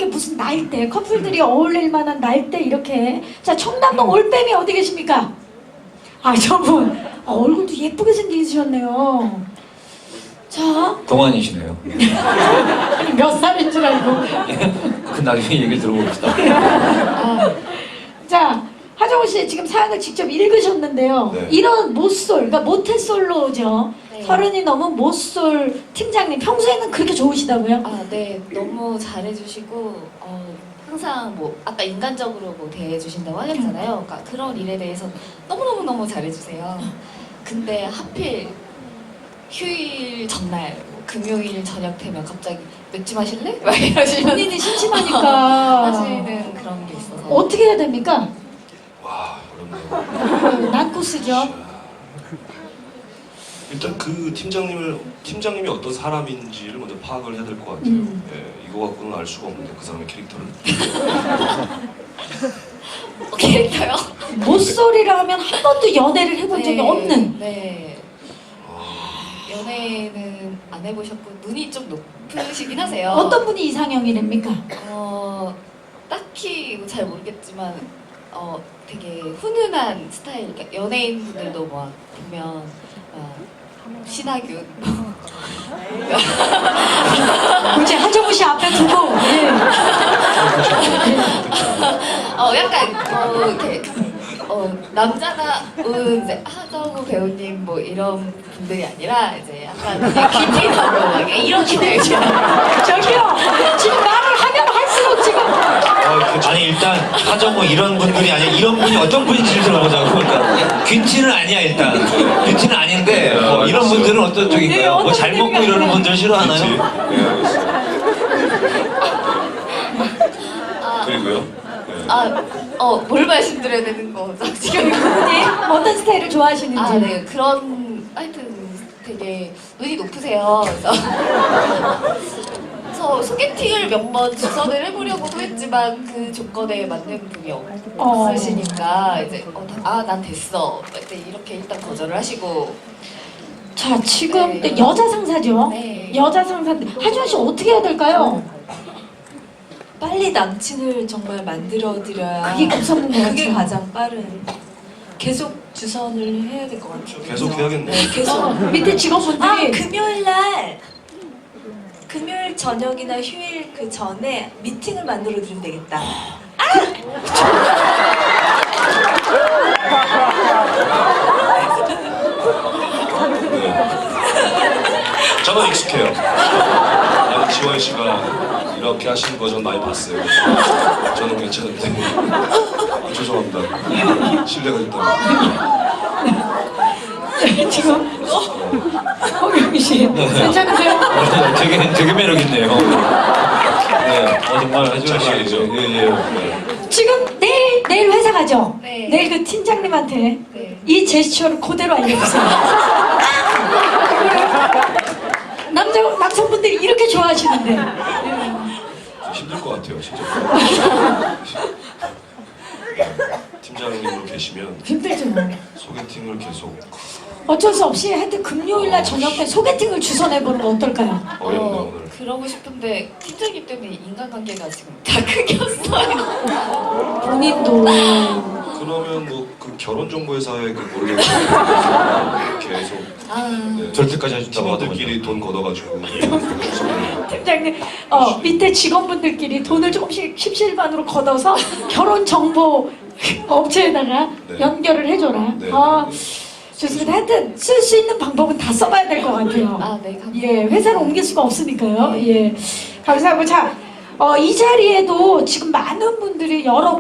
이렇게 무슨 날대 커플들이 어울릴 만한 날대 이렇게. 자, 청담동 올빼미 어디 계십니까? 아, 저분 얼굴도 예쁘게 생기셨네요. 자, 동안이시네요. 몇 살인 줄 알고. 그 나중에 얘기 들어봅시다. 자, 하정우 씨 지금 사연을 직접 읽으셨는데요. 네. 이런 모쏠, 그러니까 모태솔로죠. 네. 30이 넘은 모쏠 팀장님, 평소에는 그렇게 좋으시다고요? 아, 네. 너무 잘해주시고, 항상 뭐, 아까 인간적으로 뭐 대해주신다고 하셨잖아요. 그러니까 그런 일에 대해서 너무너무 잘해주세요. 근데 하필 휴일 전날, 뭐 금요일 저녁 되면 갑자기 맥주 마실래? 막 이러시면 본인이 심심하니까 하시는 그런 게 있어서. 어떻게 해야 됩니까? 와, 어렵네요. 난코스죠. 일단 그 팀장님이 어떤 사람인지를 먼저 파악을 해야 될 것 같아요. 예, 이거 갖고는 알 수가 없는데 그 사람의 캐릭터를. 캐릭터요? 모쏠이라 하면 한 번도 연애를 해본 적이 없는. 네. 연애는 안 해보셨고 눈이 좀 높으시긴 하세요. 어떤 분이 이상형이랍니까? 딱히 잘 모르겠지만 되게 훈훈한 스타일. 그러니까 연예인분들도 막 보면 신하균 굳이 하정우 씨 앞에 두고. 예. 약간 이렇게 남자다운 이제 하정우 배우님 뭐 이런 분들이 아니라 이제 약간 김태희하고 막 이런 스타일. 저기요, 지금 말을 하면 할수록 지금 아니 일단 하정우 이런 분들이 아니라 이런 분이 어떤 분인지 들어보자고. 그러니까 균티는 아니야 일단. 균티는 아닌데 뭐 이런 분들은 어떤 쪽인가요? 뭐 잘 먹고 이러는 분들 싫어하나요? 네, 알겠습니다. 그리고요. 네. 뭘 말씀드려야 되는 거죠? 지금 그분이 어떤 스타일을 좋아하시는지. 네, 그런 하여튼 되게 눈이 높으세요. 그래서 소개팅을 몇 번 주선을 해보려고도 했지만 그 조건에 맞는 분이 없으시니까 이제 난 됐어. 이제 이렇게 일단 거절을 하시고. 자, 지금 네. 여자 상사죠? 네. 여자 상사인데 하준 씨 어떻게 해야 될까요? 빨리 남친을 정말 만들어드려야 그게 급선무인 것 그게 같아요. 가장 빠른. 계속 주선을 해야 될 것 같아요. 계속 해야겠네. 네, 계속. 밑에 직원분들이 금요일 저녁이나 휴일 그 전에 미팅을 만들어드리면 되겠다. 저는 익숙해요. 아니, 지원 씨가 이렇게 하시는 거 전 많이 봤어요. 저는 괜찮은데. 죄송합니다. 신뢰가 됐다고. 지금 허경희 씨 괜찮으세요? 되게 매력 있네요. 네, 정말 아주 자신이죠. 예. 지금 내일 회사 가죠? 네. 내일 그 팀장님한테 네. 이 제스처를 그대로 알려주세요. 남성분들이 이렇게 좋아하시는데. 힘들 것 같아요, 진짜. 팀장님으로 계시면 힘들죠. 소개팅을 계속 어쩔 수 없이 하여튼 금요일날 저녁 때 소개팅을 주선해보는 거 어떨까요? 어렵네 오늘. 그러고 싶은데 팀장님 때문에 인간관계가 지금 다 끊겼어요. 본인도 그러면 뭐 그 결혼정보회사에 그 모르겠어요. 계속 네. 절대까지 해준다고 팀원들끼리 돈 걷어가지고 팀장님 밑에 직원분들끼리 돈을 조금씩 십시일반으로 걷어서 결혼 정보 업체에다가 네. 연결을 해줘라. 네. 좋습니다. 하여튼 쓸 수 있는 방법은 다 써봐야 될 것 같아요. 네, 감사합니다. 예, 회사를 옮길 수가 없으니까요. 네. 예, 감사하고 자, 이 자리에도 지금 많은 분들이 여러